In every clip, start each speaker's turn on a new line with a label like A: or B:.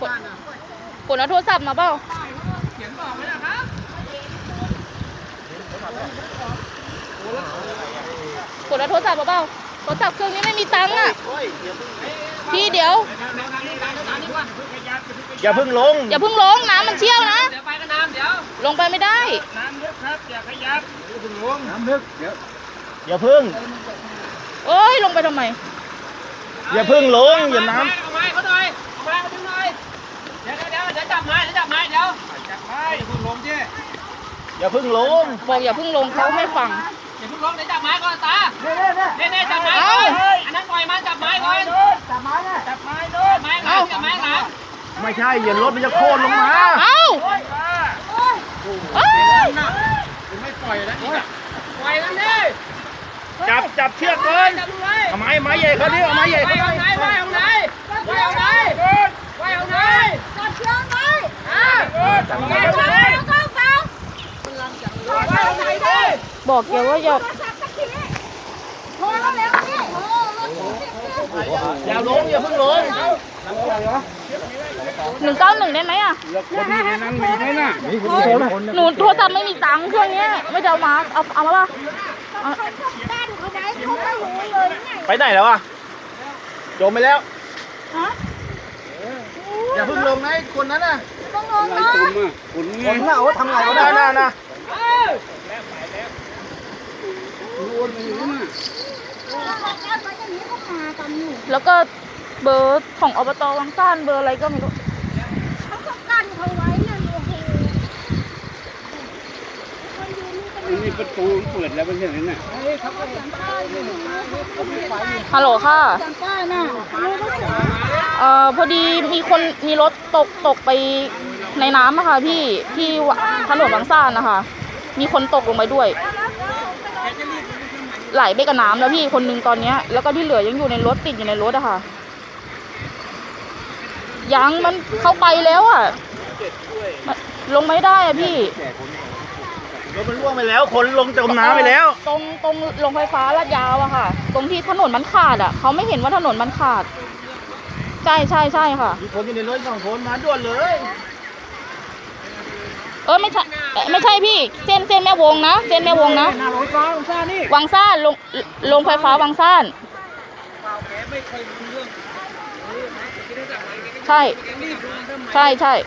A: กดเอาโทรศัพท์มาเปล่า
B: เขียนบอกไว้นะครับ
A: กดเอาโทรศัพท์มาเปล่าโทรศัพท์เครื่องนี้ไม่มีตังค์อ่ะพี่เดี๋ยว
C: อย่าเพิ่งลง
A: อย่าเพิ่งลงน้ำมันเชี่ยวนะ
B: เดี๋ยวไปกันน้ำเดี๋ยว
A: ลงไปไม่ได้
B: น้ำลึกครับอย่าขยับอย่าเพิ่งลงน้ำลึกเดี๋ยว
C: อย่าเพิ่ง
A: เอ้ยลงไปทำไม
C: อย่าเพิ่งลงอย่าน้ำ
B: เอาไม้เขาหน่อยเอาไม้เขาดึงหน่อยเดี๋ยวจับไม้เดี๋ยวจับไม้เดี๋ยวจับไม้อย่าเพิ่งลงดิ
C: อย่าเพิ่งลง
A: บอกอย่าเพิ่งลงเขาไม่ฟัง
B: อย่าเพิ่งลงเดี๋ยวจับไม้ก่อนตาเนี่ยจับไม้ก่อนอันนั้นปล่อยมันจับไม้ก่อนจับไม้เนี่ยจับไม้ด้วยจับไม้หลังจับไม้หลัง
C: ไม่ใช่อย่ารถมันจะโค่นลงมา
A: เอ้า
B: ไม่ปล่อยแล้วนี่ปล่อยกันดิ
C: จับเชือกก่อนเอาไม้ใหญ่เขาดิเอาไม้ใหญ่เขา
B: ไหนไว้เอาไหนจับเชือกไหนจับไม้
A: บอกแกว่าอย่า
C: อย่าลงอย่าเพิ่งลง
A: 191ได้ไหมอ่ะหนูโทรศัพท์ไม่มีตังค์เครื่องนี้ไม่จะเอามาเอามาป่ะ
C: ไปไหนแล้วอ่ะจมไปแล้วอย่าเพิ่งลงนะคนนั้นน่ะ
A: ต้องลงนะ
C: คนน่ะโอ้ทำไงก็ได้นะ
A: แล้วก็เบอร์ของอบต.วังซ่านเบอร์อะไรก็ไม่รู้
D: เขาก็กั้นเขาไว้นั่นโอ้โห
B: นี่ประตูเปิดแล้วเป็นอย่างนั้นน่ะ
A: ฮัลโหลค่ะพอดีมีรถตกไปในน้ำนะคะพี่ที่ถนนวังซ่านนะคะมีคนตกลงไปด้วยไหลไปกับน้ำแล้วพี่คนนึงตอนนี้แล้วก็ที่เหลือยังอยู่ในรถติดอยู่ในรถอะค่ะยังมันเข้าไปแล้วอะลงไม่ได้อะพี่
C: รถมันล่วงไปแล้วคนลงจมน้ำไปแล้ว
A: ตรงโรงไฟฟ้าลาดยาวอะค่ะตรงที่ถนนมันขาดอะเขาไม่เห็นว่าถนนมันขาดใช่ค่ะ
C: มีคนอยู่ในรถ2 คนมาด่วนเลย
A: ไม่ใช่พี่เส้นแม่วงนะเส้นแม่วงนะวังซ่านลงไฟฟ้าวังซ่านใช่ค่ะ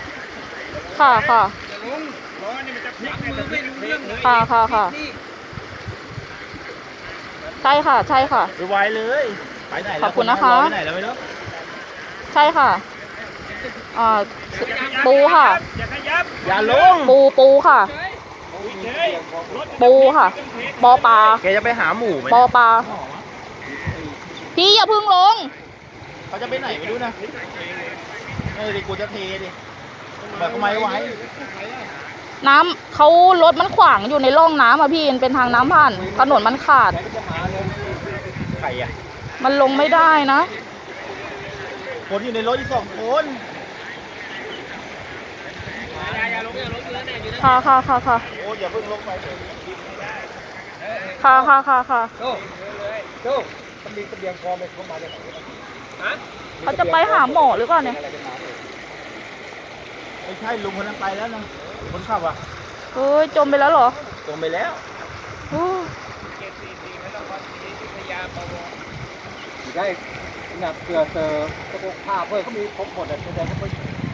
A: ใช่ค่ะ
C: ไปไวเลยไปไหน
A: ขอบคุณนะคะ
C: ไปไหนแล้วไม่รู้
A: ใช่ค่ะปูค่ะ
C: อย่าลง
A: ปูค่ะปูค่ะปอปลา
C: แกจะไปหาหมูไหม
A: ปอปลาพี่อย่าพึ่งลง
C: เขาจะไปไหนไม่รู้นะดิกูจะเทดิแบบทำไมไว้
A: น้ำเขารถมันขวางอยู่ในร่องน้ำอ่ะพี่มันเป็นทางน้ำผ่านถนนมันขาด
C: ใครอ่ะ
A: มันลงไม่ได้นะ
C: คนอยู่ในรถอีก2 คน
A: ค่ะ
C: โอ้อย่าเพิ่งลงไป
A: ค่ะ
C: โจ้มันมีเสบียงพอไหมเข้ามาได้ไหม
A: เขาจะไปหาหมอหรือเปล่าเนี่ย
C: ไม่ใช่ลุงคนนั้นไปแล้วนะคนขับอ่ะ
A: เฮ้ยจมไปแล้วเหรอ
C: จมไปแล้วได้หนักเกลือเตอกระปุกผ้าเพื่อเขามีครบหมดเลยแต่เขา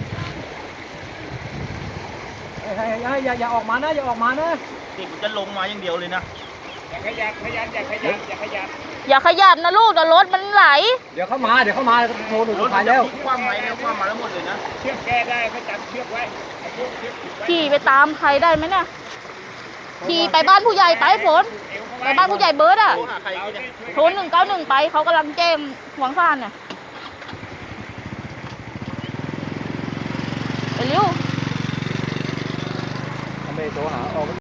B: อย่าออกมานะอย่าออกมานะ
C: นี่กูจะลงมาอย่างเดียวเลยนะ
B: อย่าขยับ
A: อย่าขยับนะลูกเดี๋ยวรถมันไหล
B: เดี๋ยวเข้ามาโทรหนูถ่ายแล้ว
C: คว่ำไหมแล้วคว่ำมาแล้วหมดเลยนะ
B: เชือกแก้ได้เขาจับเชือกไว้
A: ขี่ไปตามใครได้ไหมเนี่ยขี่ไปบ้านผู้ใหญ่ไปฝนไปบ้านผู้ใหญ่เบิร์ดอะโทร191ไปเขากำลังแจ้งวังซ่านเนี่ยไปเร็ว
C: ไม่โทรหา